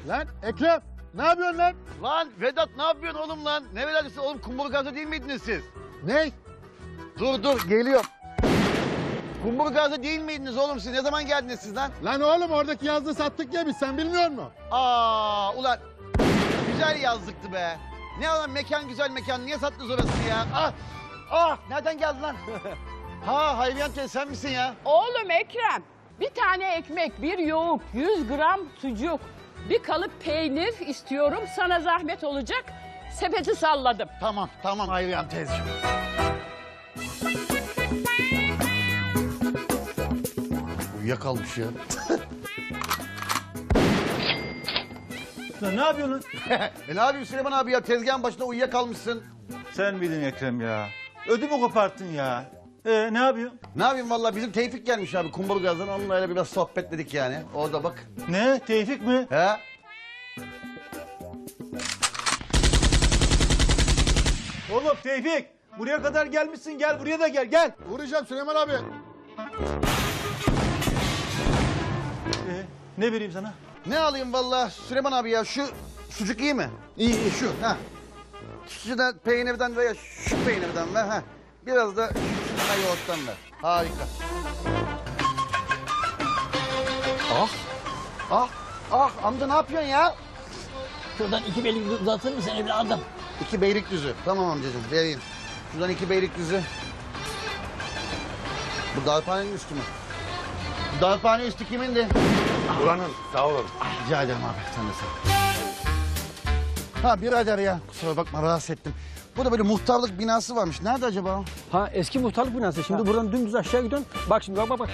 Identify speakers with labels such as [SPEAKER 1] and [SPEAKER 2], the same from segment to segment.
[SPEAKER 1] Lan Ekrem ne yapıyorsun lan?
[SPEAKER 2] Lan Vedat ne yapıyorsun oğlum lan? Ne Vedat'sı oğlum, Kumburgaz'da değil miydiniz siz?
[SPEAKER 1] Ne?
[SPEAKER 2] Dur geliyor. Kumburgaz'da değil miydiniz oğlum siz? Ne zaman geldiniz siz lan?
[SPEAKER 1] Lan oğlum oradaki yazdığı sattık ya biz, sen bilmiyor musun?
[SPEAKER 2] Ulan güzel yazlıktı be. Ne lan mekan, güzel mekan, niye sattınız orasını ya? Nereden geldin lan? Hayriyan teyze sen misin ya?
[SPEAKER 3] Oğlum Ekrem, bir tane ekmek, bir yoğurt, 100 gram sucuk, bir kalıp peynir istiyorum. Sana zahmet olacak. Sepeti salladım.
[SPEAKER 2] Tamam Hayriyan teyzeciğim. Uyuyakalmış ya.
[SPEAKER 4] Lan ne yapıyorsun lan?
[SPEAKER 2] Ne yapayım Süleyman abi ya, tezgahın başında uyuyakalmışsın.
[SPEAKER 4] Sen miydin Ekrem ya? Ödümü koparttın ya. Ne yapıyorsun?
[SPEAKER 2] Ne yapayım vallahi, bizim Tevfik gelmiş abi Kumburgaz'dan, onunla öyle biraz sohbetledik yani. Orada bak.
[SPEAKER 4] Ne? Tevfik mi?
[SPEAKER 2] He?
[SPEAKER 4] Oğlum Tevfik! Buraya kadar gelmişsin, gel buraya da gel.
[SPEAKER 1] Vuracağım Süleyman abi.
[SPEAKER 4] Ne vereyim sana?
[SPEAKER 2] Ne alayım vallahi Süleyman abi ya, şu sucuk iyi mi? İyi şu ha. Şu da peynirden veya şu peynirden ver ha. Biraz da şuna yoğurttan ver. Harika. Amca ne yapıyorsun ya?
[SPEAKER 5] Şuradan 2 beylik uzatır mısın evladım?
[SPEAKER 2] 2 Beylikdüzü. Tamam amcacığım vereyim. Şuradan 2 Beylikdüzü. Bu darphanenin üstü mü? Bu darphane üstü kimindi?
[SPEAKER 1] Buranın, sağ olun.
[SPEAKER 2] Rica ederim abi, sen de sen. Ha birader ya, kusura bakma rahatsız ettim. Burada böyle muhtarlık binası varmış. Nerede acaba o?
[SPEAKER 5] Ha eski muhtarlık binası. Şimdi buradan dümdüz aşağı gidiyorsun. Bak şimdi bak.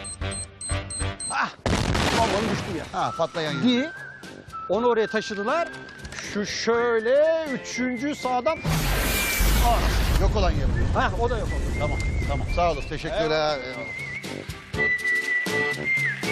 [SPEAKER 5] Vallahi düştü ya.
[SPEAKER 2] Ha patlayan yer.
[SPEAKER 5] Di. Onu oraya taşıdılar. Şu şöyle 3. sağdan.
[SPEAKER 2] Yok olan yer.
[SPEAKER 5] Ha o da yok oldu.
[SPEAKER 2] Tamam. Sağ olun. Teşekkürler. Eyvallah.